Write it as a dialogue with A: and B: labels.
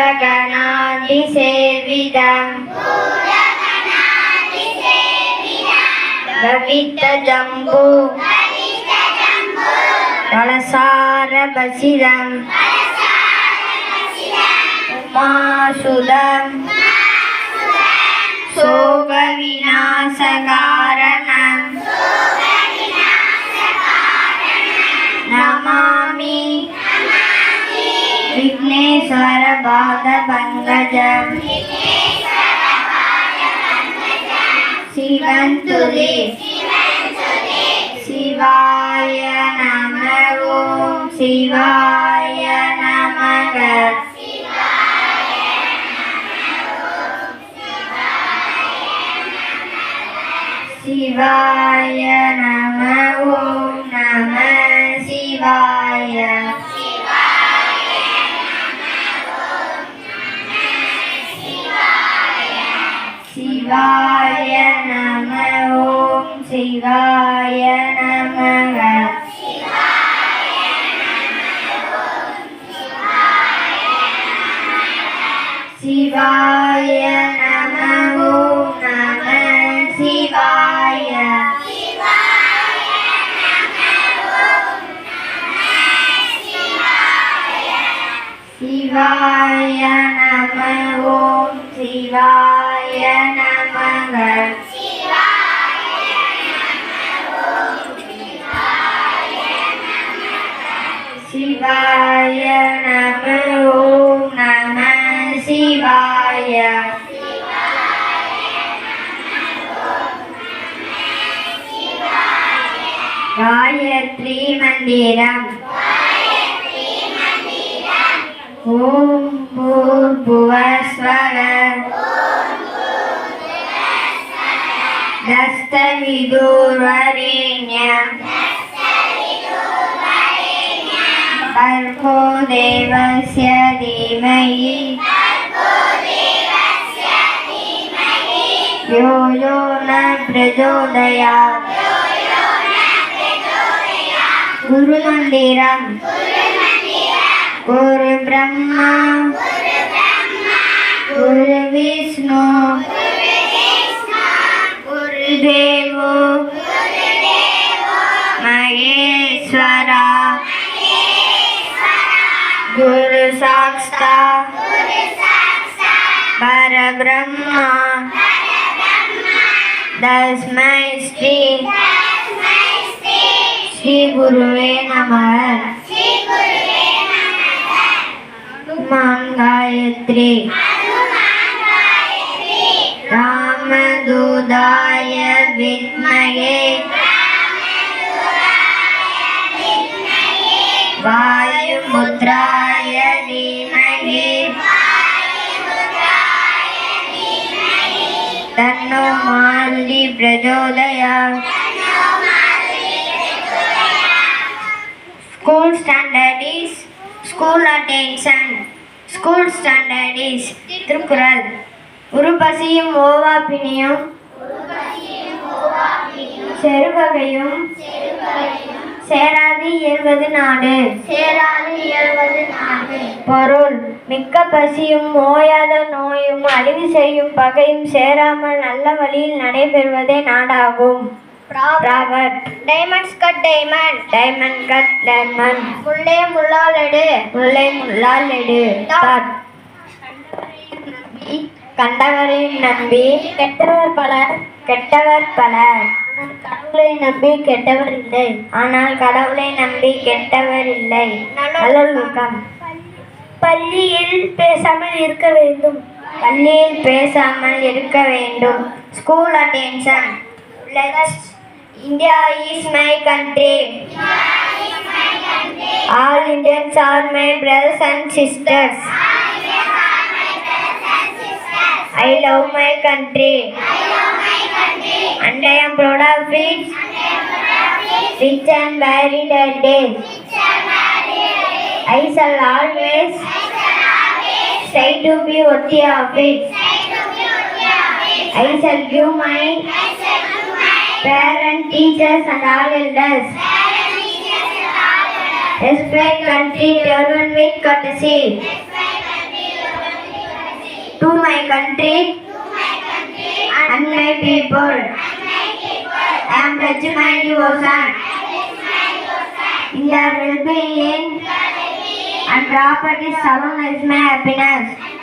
A: பூரகணாதிசேவிதம் லவித்த ஜம்பு கலசாரபசிதம் உமாசுதம் சோக விநாசகாரணம் நமாமி விக்னேஸ்வர பாத பங்கஜம் சிவந்துதி சிவாய நம ஓம் சிவாய நமக சிவாய நம ஓம் நம சிவாய சிவாய நம ஓம் சிவாய நமக சிவாய நம ஓம் நம சிவாய சிவாய நம ஓம் சிவாய நமக சிவாய நம ஓம் நம சிவாய காயத்ரி மந்திரம் ஓம் பூர்புவஸ்வர தஸ்தவிதுர்வரேண்யம் भर्गो देवस्य धीमहि यो यो न प्रचोदयात् गुरुमन्दिरं गुरुब्रह्मा गुरुविष्णु गुरुदेवो महेश्वरा गुरु साक्षात् परब्रह्मा तस्मै श्री गुरुवे नमः। हनुमान गायत्री रामदूताय विद्महे वायुपुत्राय धीमहि तन्नो मारुति प्रचोदयात्। School standard is school attention. School standard is Thirukkural. உருபசியும் ஓவாப்பினியும் செருவகையும் சேராது இயல்வது நாடு. பொருள் மிக்க பசியும் ஓயாத நோயும் அழிவு செய்யும் பகையும் சேராமல் நல்ல வழியில் நடைபெறுவதே நாடாகும். Diamonds cut diamond, diamond cut diamond. முல்லை முள்ளால் எடு, முல்லை முள்ளால் எடு. கண்டவரை நம்பி கெட்டவர் பலர், கெட்டவர் பலர். கடவுளை நம்பி கெட்டவர் இல்லை, ஆனால் கடவுளை நம்பி கெட்டவர் இல்லை. நல்லொழுக்கம். பள்ளியில் பேசாமல் இருக்க வேண்டும், பள்ளியில் பேசாமல் இருக்க வேண்டும். School attention. India is my country. All Indians are my brothers and sisters. I love my country. And I am proud of it. Rich and varied days. I shall always try to be worthy of it. I shall give my parents, teachers and all elders. Respect country, children with courtesy. my country and my people. I am pledging my devotion in their well-being and property. Salon is my happiness.